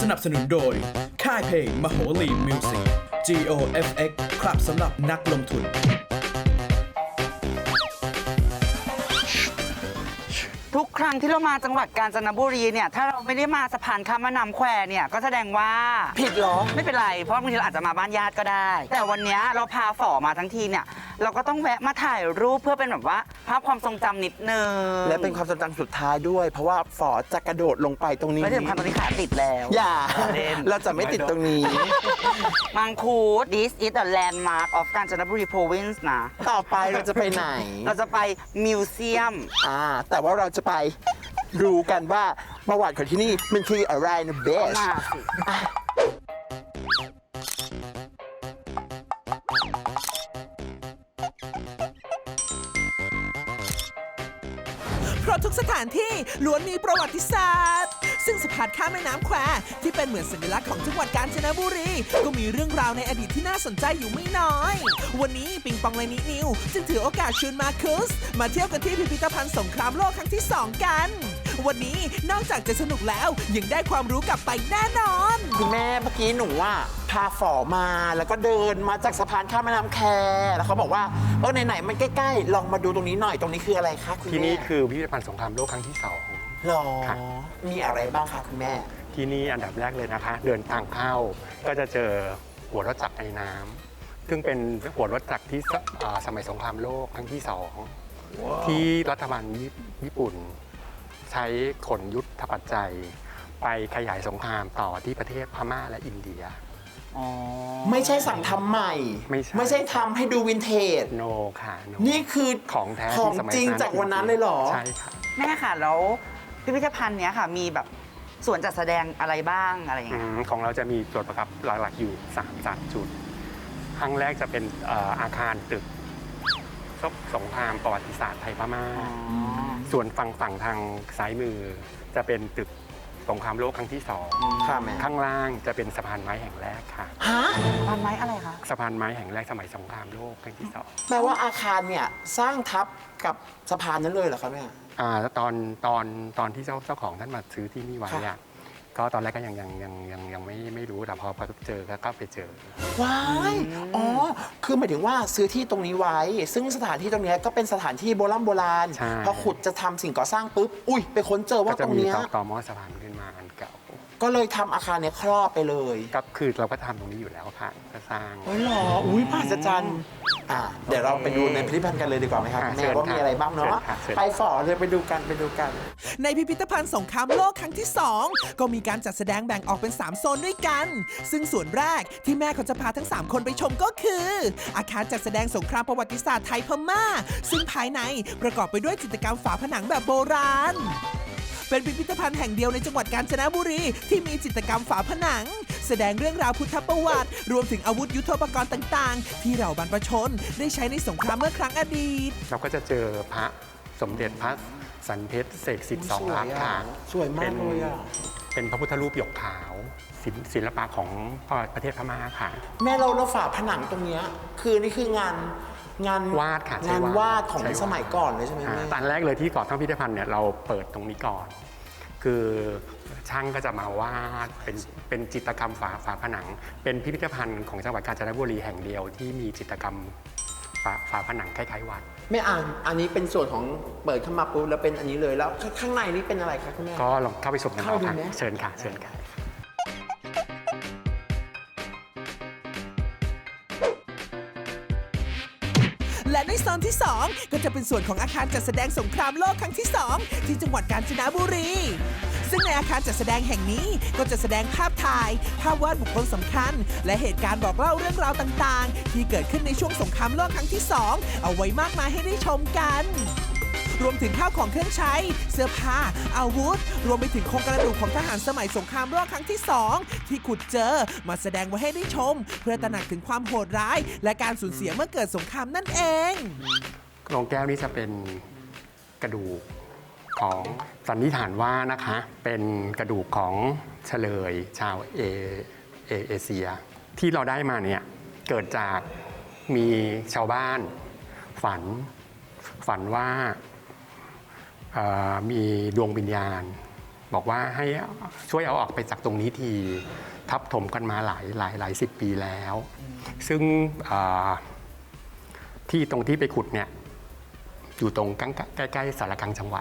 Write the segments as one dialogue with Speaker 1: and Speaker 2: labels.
Speaker 1: นับสนุนโดยค่ายเพลงมโหรีมิวสิก GOFX ครับสำหรับนักลงทุน
Speaker 2: ทุกครั้งที่เรามาจังหวัดกาญจนบุรีเนี่ยถ้าเราไม่ได้มาสะพานข้ามแม่น้ำแควเนี่ยก็แสดงว่าผิดเหรอไม่เป็นไรเพราะบางทีเราอาจจะมาบ้านญาติก็ได้แต่วันนี้เราพาฝ่อมาทั้งทีเนี่ยเราก็ต้องแวะมาถ่ายรูปเพื่อเป็นแบบว่าภาพความทรงจำนิดนึง
Speaker 3: และเป็นความทรงจำสุดท้ายด้วย เพราะว่าฝอจะกระโดดลงไปตรงนี้
Speaker 2: ไม่ถึงพันตอนนี้ขาติดแล้ว
Speaker 3: อย่าเราจะไม่ติดตรงนี้
Speaker 2: มังคุด This is the landmark of กาญจนบุรี province นะ
Speaker 3: ต่อไปเราจะไปไหน
Speaker 2: เราจะไปมิวเซียม
Speaker 3: แต่ว่าเราจะไปรู้กันว่าประวัติของที่นี่มันคืออะไรนะเบส
Speaker 2: มาสิ
Speaker 4: เพราะทุกสถานที่ล้วนมีประวัติศาสตร์ซึ่งสะพานข้ามแม่น้ำแควที่เป็นเหมือนสัญลักษณ์ของจังหวัดกาญจนบุรีก็มีเรื่องราวในอดีตที่น่าสนใจอยู่ไม่น้อยวันนี้ปิงปองและนินิวจึงถือโอกาสชวนมาคุสมาเที่ยวกันที่พิพิธภัณฑ์สงครามโลกครั้งที่ 2 กันวันนี้นอกจากจะสนุกแล้วยังได้ความรู้กลับไปแน่นอน
Speaker 3: คุณแม่เมื่อกี้หนูพาฝอมาแล้วก็เดินมาจากสะพานข้ามแม่น้ำแคแล้วเขาบอกว่าไหนๆมันใกล้ๆลองมาดูตรงนี้หน่อยตรงนี้คืออะไรคะคุณแม่
Speaker 5: ที่นี่คือพิพิธภัณฑ์สงครามโลกครั้งที่2
Speaker 3: หรอมีอะไรบ้างคะคุณแม่
Speaker 5: ที่นี่อันดับแรกเลยนะคะเดินทางเข้าก็จะเจอหัวรถจักรไอ้น้ำซึ่งเป็นหัวรถจักรที่สมัยสงครามโลกครั้งที่2ที่รัฐบาลญี่ปุ่นใช้ขนยุทธปัจจัยไปขยายสงครามต่อที่ประเทศพม่าและอินเดีย
Speaker 3: ไม่ใช่สั่งทำใหม่ไม่ใช่ทำให้ดูวินเทจ
Speaker 5: โนค่ะ
Speaker 3: นี่คือ
Speaker 5: ของแท้
Speaker 3: ของจริงจากวันนั้นเลยเหรอ
Speaker 5: ใช่ค่ะ
Speaker 2: แม่ค่ะแล้วพิพิธภัณฑ์เนี้ยค่ะมีแบบส่วนจัดแสดงอะไรบ้างอะไรอย่างเงี้ย
Speaker 5: ของเราจะมีส่วนประกอบหลักๆอยู่3จุดครั้งแรกจะเป็นอาคารตึกสงครามประวัติศาสตร์ไทยพม่าส่วนฝั่งทางซ้ายมือจะเป็นตึกสงครามโลกครั้งที่2ข้างล่างจะเป็นสะพานไม้แห่งแรกค่ะ
Speaker 2: สะพานไม้อะไรคะ
Speaker 5: สะพานไม้แห่งแรกสมัยสงครามโลกครั้งที่2
Speaker 3: แปลว่าอาคารเนี่ยสร้างทับกับสะพานนั้นเลยเหรอครับแม่
Speaker 5: ตอนที่เจ้าของท่านมาซื้อที่นี่ไว้อะก็ตอนแรกก็ยังไม่รู้แต่พอเจอก็ไปเจอ
Speaker 3: ว้ายคือหมายถึงว่าซื้อที่ตรงนี้ไว้ซึ่งสถานที่ตรงนี้ก็เป็นสถานที่โบราณพอขุดจะทำสิ่งก่อสร้างปุ๊บไปค้นเจอว่าตรงนี้
Speaker 5: ก็จะมีต่อหม้อสะพานขึ้นมาอันเก่า
Speaker 3: ก็เลยทำอาคารเนี่ยครอบไปเลย
Speaker 5: ก็คือเราก็ทำตรงนี้อยู่แล้วค่ะก็สร้าง
Speaker 3: หรอมหัศจรรย์เดี๋ยวเราไปดูในพิพิธภัณฑ์กันเลยดีกว่าไหมครับแม่ว่ามีอะไรบ้างเนาะไปฝ่อเลยไปดูกัน
Speaker 4: ในพิพิธภัณฑ์สงครามโลกครั้งที่2ก็มีการจัดแสดงแบ่งออกเป็น3โซนด้วยกันซึ่งส่วนแรกที่แม่เขาจะพาทั้ง3คนไปชมก็คืออาคารจัดแสดงสงครามประวัติศาสตร์ไทยพม่าซึ่งภายในประกอบไปด้วยจิตรกรรมฝาผนังแบบโบราณเป็นพิพิธภัณฑ์แห่งเดียวในจังหวัดกาญจนบุรีที่มีจิตรกรรมฝาผนังแสดงเรื่องราวพุทธประวัติรวมถึงอาวุธยุทโธปกรณ์ต่างๆที่เหล่าบรรพชนได้ใช้ในสงครามเมื่อครั้งอดีต
Speaker 5: เราก็จะเจอพระสมเด็จพระสันเพชรเสกสิทธิ์2 ลักษณ์ค่ะ
Speaker 3: สวยมากเลย
Speaker 5: เป็นพระพุทธรูปหยกขาวศิลปะของประเทศพม่าค่ะ
Speaker 3: แม่เราฝาผนังตรงนี้นี่คืองาน
Speaker 5: วาดค่ะ
Speaker 3: งานวาดของสมัยก่อนเลยใช่ไหมแม่
Speaker 5: ตอนแรกเลยที่ก่อตั้งพิพิธภัณฑ์เนี่ยเราเปิดตรงนี้ก่อนคือช่างก็จะมาวาดเป็นจิตรกรรมฝาผนังเป็นพิพิธภัณฑ์ของจังหวัดกาญจนบุรีแห่งเดียวที่มีจิตรกรรมฝาผนังคล้ายๆวัด
Speaker 3: ไม่อันนี้เป็นส่วนของเปิดเข้ามาปุ๊บแล้วเป็นอันนี้เลยแล้วข้างในนี้เป็นอะไรคะคุณแม่
Speaker 5: ก็ลองเข้าไปชมกันค่ะเชิญค่ะ
Speaker 4: และในโซนที่2ก็จะเป็นส่วนของอาคารจัดแสดงสงครามโลกครั้งที่2ที่จังหวัดกาญจนบุรีซึ่งในอาคารจัดแสดงแห่งนี้ก็จะแสดงภาพถ่ายภาพวาดบุคคลสำคัญและเหตุการณ์บอกเล่าเรื่องราวต่างๆที่เกิดขึ้นในช่วงสงครามโลกครั้งที่2เอาไว้มากมายให้ได้ชมกันรวมถึงข้าวของเครื่องใช้เสื้อผ้าอาวุธรวมไปถึงโครงกระดูกของทหารสมัยสงครามโลกครั้งที่2ที่ขุดเจอมาแสดงไว้ให้ได้ชมเพื่อตระหนักถึงความโหดร้ายและการสูญเสียเมื่อเกิดสงครามนั่นเอง
Speaker 5: โรงแก้วนี้จะเป็นกระดูกของสันนิษฐานว่านะคะเป็นกระดูกของเฉลยชาวเอเชียที่เราได้มาเนี่ยเกิดจากมีชาวบ้านฝันว่ามีดวงวิญญาณบอกว่าให้ช่วยเอาออกไปจากตรงนี้ทีทับถมกันมาหลายสิบปีแล้ว ซึ่งที่ตรงที่ไปขุดเนี่ยอยู่ตรงใกล้ๆสารกลางจังหวัด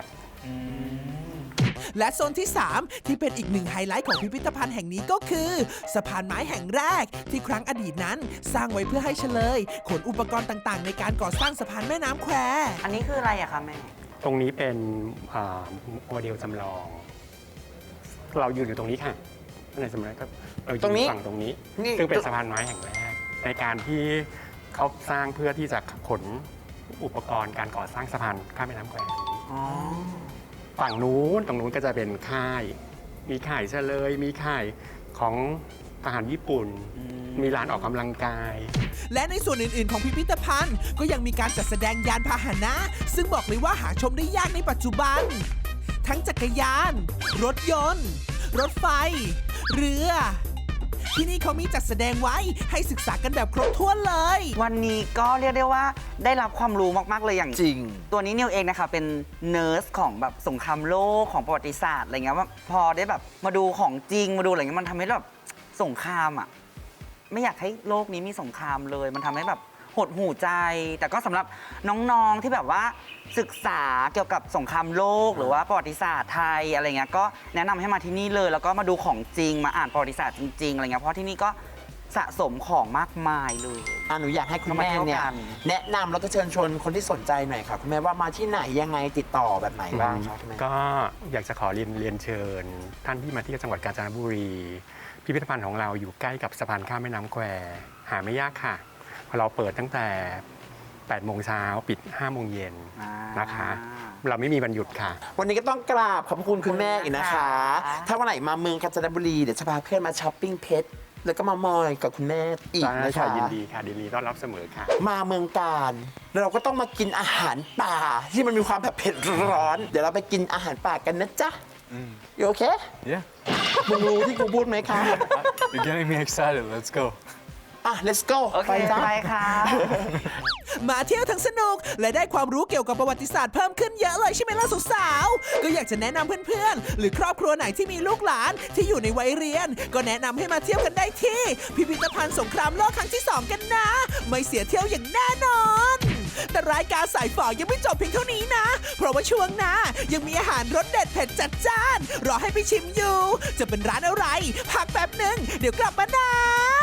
Speaker 4: และโซนที่ 3 ที่เป็นอีกหนึ่งไฮไลท์ของพิพิธภัณฑ์แห่งนี้ก็คือสะพานไม้แห่งแรกที่ครั้งอดีตนั้นสร้างไว้เพื่อให้เฉลยขนอุปกรณ์ต่างๆ ในการก่อสร้างสะพานแม่น้ำแคว
Speaker 2: อันนี้คืออะไรอะคะแม่
Speaker 5: ตรงนี้เป็นโมเดลจำลอง เรายืนอยู่ตรงนี้ค่ะในสมัยก็เรายื
Speaker 3: ตรงนี้
Speaker 5: นฝั่งตรงนี้
Speaker 3: นี่
Speaker 5: ซึ่งเป็นสะพานไม้แห่งแรก ในการที่เขาสร้างเพื่อที่จะขนอุปกรณ์การก่อสร้างสะพานข้ามแม่น้ำแควนี้
Speaker 2: อ๋อ
Speaker 5: ฝั่งนู้นตรงนู้นก็จะเป็นค่าย มีค่ายเฉลย มีค่ายของทหารญี่ปุ่น มีลานออกกำลังกาย
Speaker 4: และในส่วนอื่น ๆ ของพิพิธภัณฑ์ก็ยังมีการจัดแสดงยานพาหนะ ซึ่งบอกเลยว่าหาชมได้ยากในปัจจุบัน ทั้งจักรยาน รถยนต์ รถไฟ เรือ ที่นี่เขามีจัดแสดงไว้ให้ศึกษากันแบบครบถ้วนเลย
Speaker 2: วันนี้ก็เรียกได้ว่าได้รับความรู้มาก ๆ เลยอย่าง
Speaker 3: จริง
Speaker 2: ตัวนี้นิวเองนะคะเป็นเนิร์สของแบบสงครามโลกของประวัติศาสตร์อะไรเงี้ยว่าพอได้แบบมาดูของจริงมาดูอะไรเงี้ยมันทำให้แบบสงครามอ่ะไม่อยากให้โลกนี้มีสงครามเลย มันทำให้แบบหดหูใจ แต่ก็สำหรับน้องๆที่แบบว่าศึกษาเกี่ยวกับสงครามโลกหรือว่าประวัติศาสตร์ไทยอะไรเงี้ยก็แนะนำให้มาที่นี่เลยแล้วก็มาดูของจริงมาอ่านประวัติศาสตร์จริงๆอะไรเงี้ยเพราะที่นี่ก็สะสมของมากมายเลย
Speaker 3: หนูอยากให้คุณแม่เนี่ย
Speaker 2: เรามาเที่ยวกัน
Speaker 3: แนะนำแล้วก็เชิญชวนคนที่สนใจหน่อยค่ะคุณแม่ว่ามาที่ไหนยังไงติดต่อแบบไหนบ้างคะคุณแม่
Speaker 5: ก็อยากจะขอเรียนเชิญ ท่านที่มาที่จังหวัดกาญจนบุรี พิพิธภัณฑ์ของเราอยู่ใกล้กับสะพานข้ามแม่น้ำแควหาไม่ยากค่ะเราเปิดตั้งแต่ 8 โมงเช้าปิด 5 โมงเย็นนะคะ เราไม่มีวันหยุดค่ะ
Speaker 3: วันนี้ก็ต้องกราบขอบพระคุณคุณแม่อีกนะคะ ถ้าวันไหนมาเมืองกาญจนบุรีเดี๋ยวจะพาเพื่อนมาช้อปปิ้งเพชรแล้วก็มามอยกับคุณแม่อีก
Speaker 5: ได้
Speaker 3: นะ
Speaker 5: ค่ะ
Speaker 3: คะ
Speaker 5: ยินดีค่ะยินดีต้อนรับเสมอค่ะ
Speaker 3: มาเมืองการเราก็ต้องมากินอาหารป่าที่มันมีความแบบเผ็ดร้อน เดี๋ยวเราไปกินอาหารป่ากันนะจ๊ะอยู่โอเค
Speaker 6: Yeah.
Speaker 3: มึงรู้ที่กูพูดไหมคะ
Speaker 6: You're getting me excited. Let's go.
Speaker 3: อ่ะ let's go
Speaker 2: โอเค
Speaker 3: ไปจ้ะ
Speaker 2: ไปค่ะ
Speaker 4: มาเที่ยวทั้งสนุกและได้ความรู้เกี่ยวกับประวัติศาสตร์เพิ่มขึ้นเยอะเลยใช่ไหมล่ะสาวๆก็อยากจะแนะนำเพื่อนๆ หรือครอบครัวไหนที่มีลูกหลานที่อยู่ในวัยเรียน ก็แนะนำให้มาเที่ยวกันได้ที่ พิพิธภัณฑ์สงครามโลกครั้งที่ 2 กันนะ ไม่เสียเที่ยวอย่างแน่นอน แต่รายการสายฝอยังไม่จบเพียงเท่านี้นะ เพราะว่าช่วงหน้ายังมีอาหารรสเด็ดเผ็ดจัดจ้านรอให้ไปชิมอยู่ จะเป็นร้านอะไรพักแป๊บหนึ่งเดี๋ยวกลับมานะ